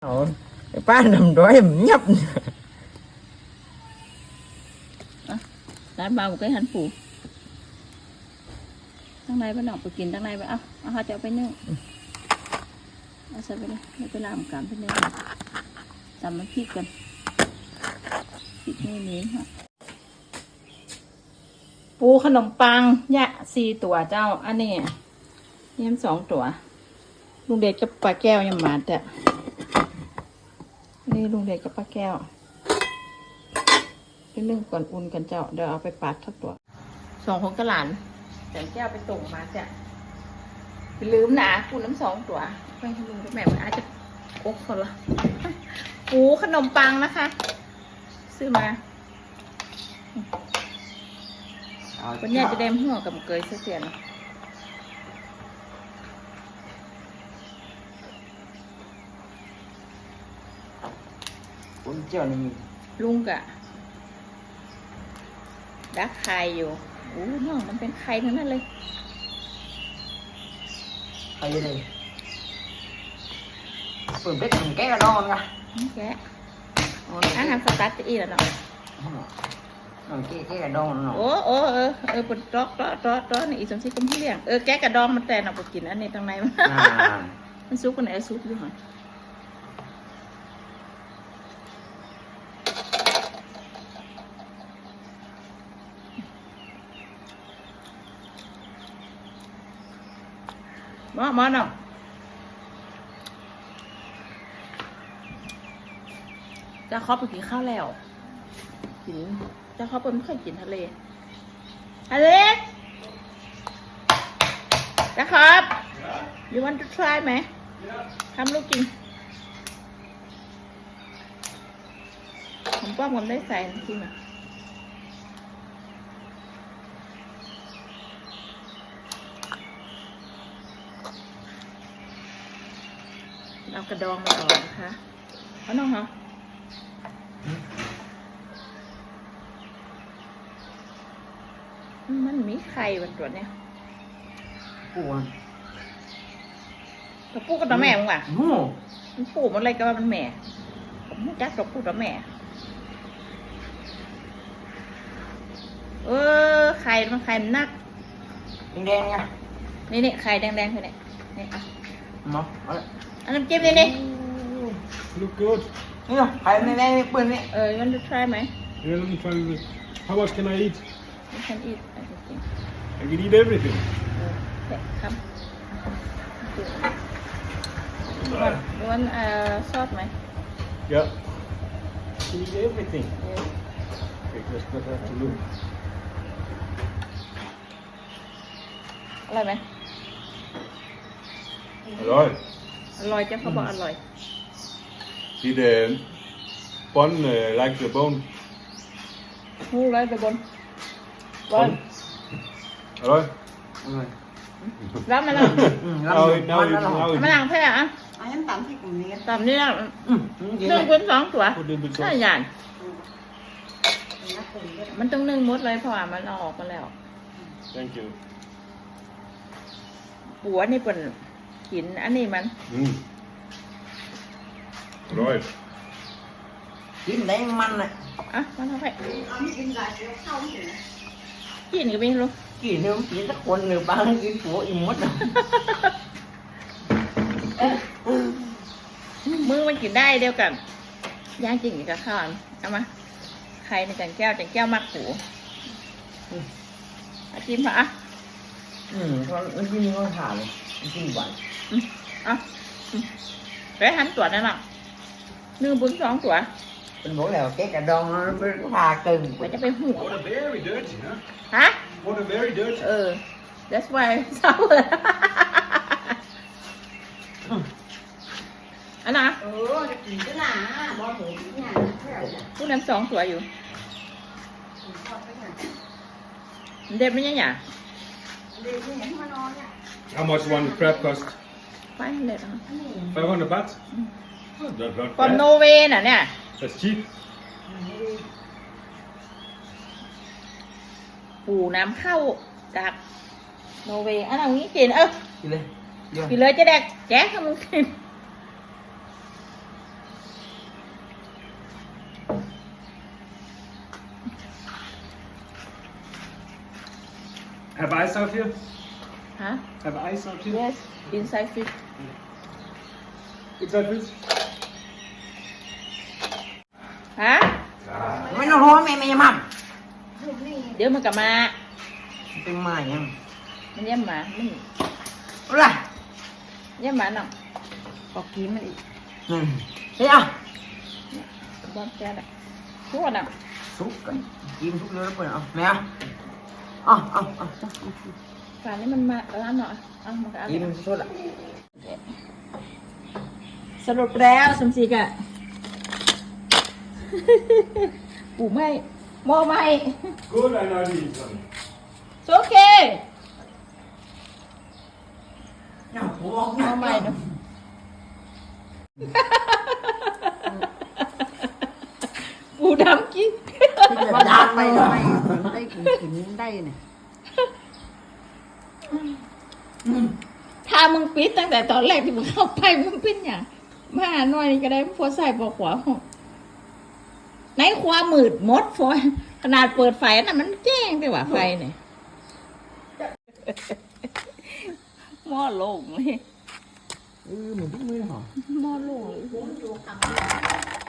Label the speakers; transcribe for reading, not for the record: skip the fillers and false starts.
Speaker 1: ป้านำđói nhấp
Speaker 2: ร้านเบาcái hành phủ thằng này bắt đầu phảiกินthằng này vậy họ choไปนึ่งเอาใส่ไปเลยไม่ไปlàm cảmไปนึ่งทำมันพริกกันพริกนี่ฮะปูขนมปังยะ4 ตัวเจ้าอันนี้เยี่ยม2 ตัวลุงเดชกับป้าแก้วยังมาแต่นี่ลุงเดชกับป้าแก้วไปนึ่งก่อนอุ่นกันเจ้าเดี๋ยวเอาไปปัดทักตัว2 คนกระหลานแต่แก้วไปส่งมาจ้ะไปลืมนะปูน้ำ2 ตัวไปให้ลุงกับแม่มันอาจจะอกเขาละปูขนมปังนะคะซื้อมาวันนี้จะได้หัวกับเกยเสียน
Speaker 1: cuốn treo này
Speaker 2: ลุงกะดักไข่อยู่น้องมันเป็นไข่ทั้งนั้นเลย
Speaker 1: hay đây phường biết thằng cái là non nha
Speaker 2: แกะอาหารสตาร์ทอีแล้วเนาะ
Speaker 1: cái là non nó
Speaker 2: ปวดตอกนี่อีสมศรีกุมพี่เลี้ยงแกะกระดองมันแต่เราไปกินอันนี้ตรงไหนมันซุกกันไหนซุกอยู่หรอมาเนาะจะครอบไปกินข้าวแล้วกินจะครอบไม่ค่อยกินทะเลจะครับ you want to try ไหมทำลูกกินผมป้อมผมได้ใส่จริงอ่ะเอากระดองมาออกนะคะเอาน้องเหรอมันมีไข่บนตัวเนี่ย
Speaker 1: ปูน
Speaker 2: ตัวปูกับตัวแม่มึงว่ะมันปูมันอะไรก็ว่ามันแม่ผมไม่จักตัวปูตัวแม่ไข่มันไข่มันนัก
Speaker 1: đen nha
Speaker 2: นี่ไข่แดงๆคือเนี่ยนี่อ่ะ
Speaker 1: nó
Speaker 2: อันน้ำจิ้มนี่
Speaker 3: Look good.
Speaker 1: rồi phải đen đen bự này
Speaker 2: you want to try ไหม
Speaker 3: Yeah, let me try this. How much can I eat?
Speaker 2: you can eat everything
Speaker 3: I can eat everything.
Speaker 2: ครับ you want ซอสไหม
Speaker 3: Yeah. Can eat everything. Okay, let's not have to look.
Speaker 2: อร่อยไหม
Speaker 3: Alright.
Speaker 2: อร่อยจ้ะเขาบอกอร่อย
Speaker 3: See the bun like the bone.
Speaker 2: หูเลยไปบน
Speaker 3: Bun. Alright.
Speaker 1: rồi
Speaker 2: รับมาแล้ว
Speaker 3: Now it, now it, now
Speaker 2: มา
Speaker 3: it.
Speaker 2: ล้างแพ้อ่ะ
Speaker 4: em tắm thì cũng nghe
Speaker 2: ตามนี้นะ
Speaker 1: cái
Speaker 2: นึ่ง
Speaker 1: này
Speaker 2: เป็น2 ตัว
Speaker 3: Put a little bit
Speaker 2: น่า
Speaker 3: sauce.
Speaker 2: หยาด
Speaker 4: nó cùng với
Speaker 2: มันต้องนึ่งหมดเลยเพราะว่ามันเอาออกมาแล้ว
Speaker 3: Thank you.
Speaker 2: ปัวนี่เป็นกินอันนี้มัน
Speaker 3: Mm. Alright.
Speaker 1: chín đấy măng này
Speaker 2: มันเอาไป
Speaker 4: ấm bên lại nó không thì
Speaker 2: กินก็ไม่รู้
Speaker 1: chỉ nếu chỉ các con người ba cái phố im mất rồi
Speaker 2: มือมันกินได้เดียวกันย่างจริงกับข้าวเอามาใครในจันแก้วมักหูจิ้มพะ
Speaker 1: con cái như con thả này cái gì vậy
Speaker 2: ไปหันตัวนั่นน่ะ1 บุญ 2 ตัว
Speaker 1: mình mỗi là cái cà đòn nó thà cừng
Speaker 2: มันจะไปหู
Speaker 3: What a very dirty, huh?
Speaker 2: ฮะ
Speaker 3: What a very dirty.
Speaker 2: that's why เศร้าอันน่ะ
Speaker 4: cái gì thế nào bỏ thử cái nhà thế nào
Speaker 2: ผู้นำ2 ตัวอยู่
Speaker 4: cái
Speaker 2: เด็ดไม่ยังไง
Speaker 4: đi cái nhẫn hoa non nha
Speaker 3: How much one crab cost?
Speaker 2: ไปเลย
Speaker 3: 500 baht? Oh, that's not
Speaker 2: ฟอร์ม
Speaker 3: bad.
Speaker 2: โนเวน่ะเนี่ย
Speaker 3: That's cheap.
Speaker 2: ปูน้ำเข้าจากโนเวย์อันนี้กิน
Speaker 1: đi lên
Speaker 2: กินเลยจะแดกแจ๊กให้มึงกิน
Speaker 3: Have ice out here?
Speaker 2: ฮะ
Speaker 3: Have ice out here?
Speaker 2: yes inside fish
Speaker 3: Inside this?
Speaker 2: ฮะ
Speaker 1: ไม่ต้องรอแม่ยังมั่ง
Speaker 2: เดี๋ยวมันกลับมา
Speaker 1: เป็นไม้ยัง
Speaker 2: มันเยี่ยมหมามัน
Speaker 1: อะไร
Speaker 2: เยี่ยมหมาหน่อย
Speaker 4: ก็กินมันอีก
Speaker 1: นั่นเฮ้ยอ่ะ
Speaker 2: บอลแกน่ะทุกคนอ่ะ
Speaker 1: ซุกกันกินทุกเรื่องแล้วเปิดเอาแม่เอาเอา
Speaker 2: ป่านนี้มันมาร้านหน่อยเอามากัน
Speaker 1: กินสุดละ
Speaker 2: สรุปแล้วสมศรีกะ ปู่ไม่หม้อไม่
Speaker 3: Good, I know these one.
Speaker 2: โอเค
Speaker 1: เนี่ยผม
Speaker 2: หม้อไม่เนาะปู่ดำกิน
Speaker 4: ว่าดันไปทำไมได้กินได้เนี่ย
Speaker 2: ถ้ามึงปิดตั้งแต่ตอนแรกที่มึงเข้าไปมึงเป็นอย่างมาหาหน่อยนี่ก็ได้พอใส่ปอกขวาห้องในความมืดมดฟอยขนาดเปิดไฟน่ะมันแจ้งไปว่าไฟเนี่ยหม้อโล่งเลย
Speaker 1: เหมือนที่มือหรอ
Speaker 2: หม้อโล่งเลย